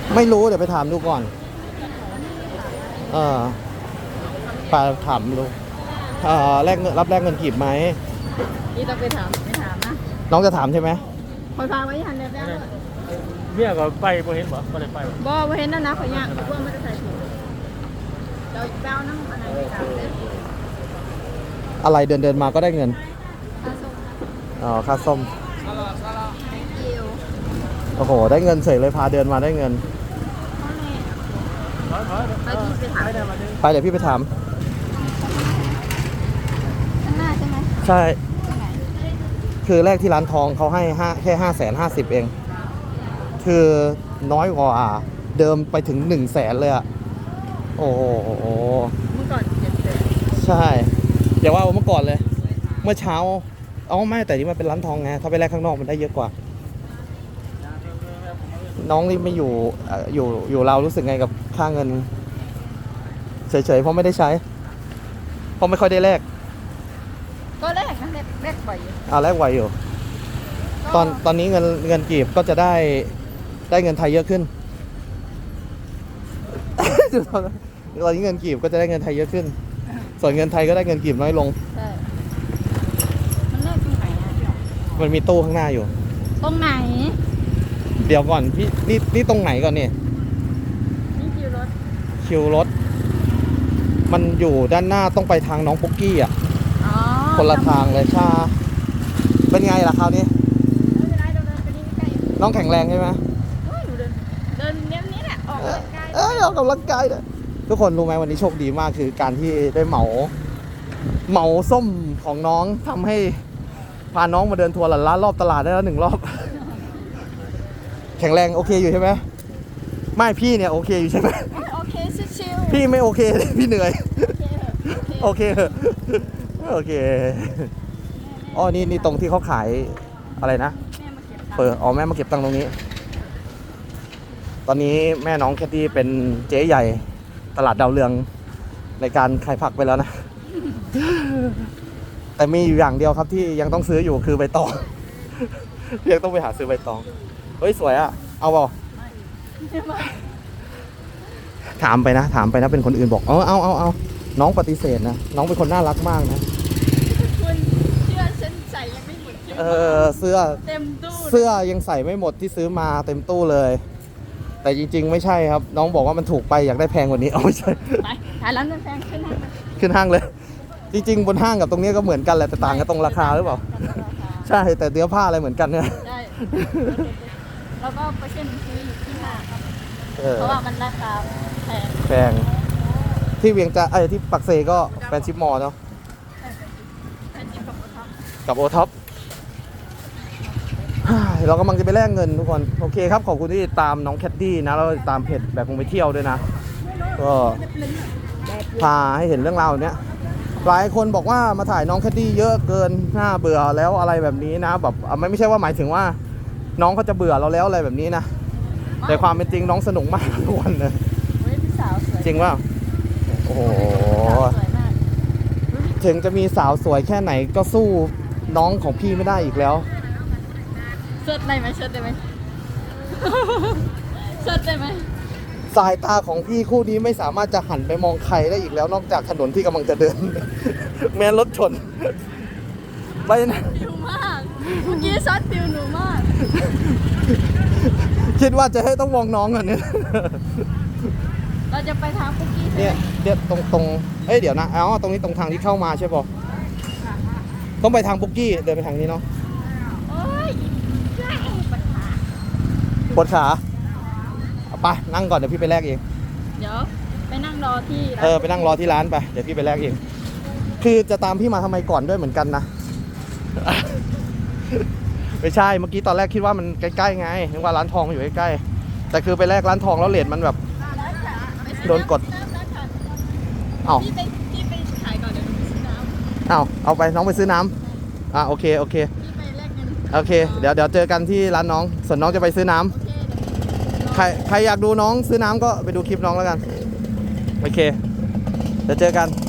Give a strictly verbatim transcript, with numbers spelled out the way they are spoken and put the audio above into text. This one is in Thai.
ไม่รู้เดี๋ยวไปถามดูก่อนเออไปถามดูเออแลกเงินรับแลกเงินกีบไหมนี่ต้องไปถามไปถามนะน้องจะถามใช่ไหมคอยพาไว้หันแล้วได้เมียก็ไปบ่เห็นบ่บ่ได้ไปบ่บ่บ่เห็นนั่นนะขอยยากเพราะว่ามันจะใส่ถุงเราแป้วน้ำอะไรไปถามเลยอะไรเดินเดินมาก็ได้เงินอ๋อค่าส้มโอ้โหได้เงินเฉยเลยพาเดินมาได้เงินไปพี่ไปถามไปเดี๋ยวพี่ไปถามข้างหน้าใช่ไหมใช่คือแรกที่ร้านทองเขาให้ห้าแค่ห้าแสนห้าสิบเองคือน้อยกว่าเดิมไปถึงหนึ่งแสนเลยอะโอ้โหเมื่อก่อนเจ็ดแสนใช่อย่าว่าเมื่อก่อนเลยเมื่อเช้าเอาไม่แต่นี่มันเป็นร้านทองไงถ้าไปแลกข้างนอกมันได้เยอะกว่าน้องนี่ไม่อยู่อยู่อยู่เรารู้สึกไงกับค่าเงินเฉยๆเพราะไม่ได้ใช้เพราะไม่ค่อยได้แลกก็แลกนะแลกแลกบ่อยอยู่อ่าแลกไหวอยู่ตอนตอนนี้เงินเงินกีบก็จะได้ได้เงินไทยเยอะขึ้นตอนนี้เงินกีบก็จะได้เงินไทยเยอะขึ้นส่วนเงินไทยก็ได้เงินกีบน้อยลงใช่มันแลกตรงไหนอ่ะมันมีตู้ข้างหน้าอยู่ตรงไหนเดี๋ยวก่อนพี่นี่นี่ตรงไหนก่อนเนี่ยนี่คิวรถคิวรถมันอยู่ด้านหน้าต้องไปทางน้องปุ๊กกี้อ่ะคนละทางเลยชาเป็นไงล่ะคราวนี้น้องแข็งแรงใช่ไหมเดินเนี้ยนี้แหละออกกำลังกายเออออกกำลังกายเนี่ยทุกคนรู้ไหมวันนี้โชคดีมากคือการที่ได้เหมาเหมาส้มของน้องทำให้พาน้องมาเดินทัวร์หลันล้านรอบตลาดได้แล้วหนึ่งรอบแข็งแรงโอเคอยู่ใช่ไหมไม่พี่เนี่ยโอเคอยู่ใช่ไหมโอเคชิวๆพี่ไม่โอเคพี่เหนื่อยโอเคโอเคอ๋อนี่นี่ตรงที่เขาขายอะไรนะเปิดอ๋อแม่มาเก็บตังค์ตรงนี้ตอนนี้แม่น้องแคทตี้เป็นเจ๊ใหญ่ตลาดดาวเรืองในการขายผักไปแล้วนะแต่มีอยู่อย่างเดียวครับที่ยังต้องซื้ออยู่คือใบตองยังต้องไปหาซื้อใบตองเฮ้ยสวยอะเอาเปล่าถามไปนะถามไปนะเป็นคนอื่นบอกเอาเอาเอาเอาน้องปฏิเสธนะน้องเป็นคนน่ารักมากนะคุณเสื้อฉันใส่ยังไม่หมดเออเสื้อเต็มตู้เสื้อยังใส่ไม่หมดที่ซื้อมาเต็มตู้เลยแต่จริงๆไม่ใช่ครับน้องบอกว่ามันถูกไปอยากได้แพงกว่านี้เอาไม่ใช่ไปหาร้านแพงขึ้นห้างขึ้นห้างเลยจริงๆบนห้างกับตรงนี้ก็เหมือนกันแหละแต่ต่างกันตรงราคาหรือเปล่าใช่แต่เนื้อผ้าอะไรเหมือนกันเนี่ยใช่แล้วก็ไปเช่นซื้ออยู่ที่ห้างเพราะว่ามันราคาแพงแพงที่เวียงจะไอ้ที่ปักเซก็แฟนชิปมอลเนาะกับโอท็อปเรากำลังจะไปแลกเงินทุกคนโอเคครับขอบคุณที่ตามน้องแคทตี้นะแล้วตามเพจแบบคงไปเที่ยวด้วยนะก็พาให้เห็นเรื่องราวเนี้ยหลายคนบอกว่ามาถ่ายน้องแคทตี้เยอะเกินน่าเบื่อแล้วอะไรแบบนี้นะแบบไม่ไม่ใช่ว่าหมายถึงว่าน้องเขาจะเบื่อเราแล้วอะไรแบบนี้นะแต่ความเป็นจริงน้องสนุกมากทุกวันเลยจริงว่าโอ้โหถึงจะมีสาวสวยแค่ไหนก็สู้น้องของพี่ไม่ได้อีกแล้วเชิดได้ไหมเชิดได้ไหมเชิดได้ไหมสายตาของพี่คู่นี้ไม่สามารถจะหันไปมองใครได้อีกแล้วนอกจากถนนที่กำลังจะเดินแม้รถชนไปนะฟิวมากเมื่อกี้ซัดฟิวหนูมากคิดว่าจะให้ต้องมองน้องก่อนเนี่ยเราจะไปทางปุ๊กกี้เนี่ยเดี๋ยวตรงตรงเอ้ยเดี๋ยวนะอ๋อตรงนี้ตรงทางที่เข้ามาใช่ป่ะต้องไปทางปุ๊กกี้เดินไปทางนี้เนาะปวดขาไปนั่งก่อนเดี๋ยวพี่ไปแลกเองเดี๋ยวไปนั่งรอที่เออไปนั่งรอที่ร้านไปเดี๋ยวพี่ไปแลกเองคือจะตามพี่มาทำไมก่อนด้วยเหมือนกันนะไม่ใช่เมื่อกี้ตอนแรกคิดว่ามันใกล้ๆไงนึกว่าร้านทองอยู่ใกล้ๆแต่คือไปแลกร้านทองแล้วเลทมันแบบโดนกดเอ้าพี่ไปพี่ไปขายก่อนเดี๋ยวหนูไปซื้อน้ำเอ้าเอาไปน้องไปซื้อน้ำอ่ะโอเคโอเคพี่ไปแลกเงินโอเคเดี๋ยวเดี๋ยวเจอกันที่ร้านน้องส่วนน้องจะไปซื้อน้ำใครใครอยากดูน้องซื้อน้ำก็ไปดูคลิปน้องแล้วกันโอเคเดี๋ยวเจอกัน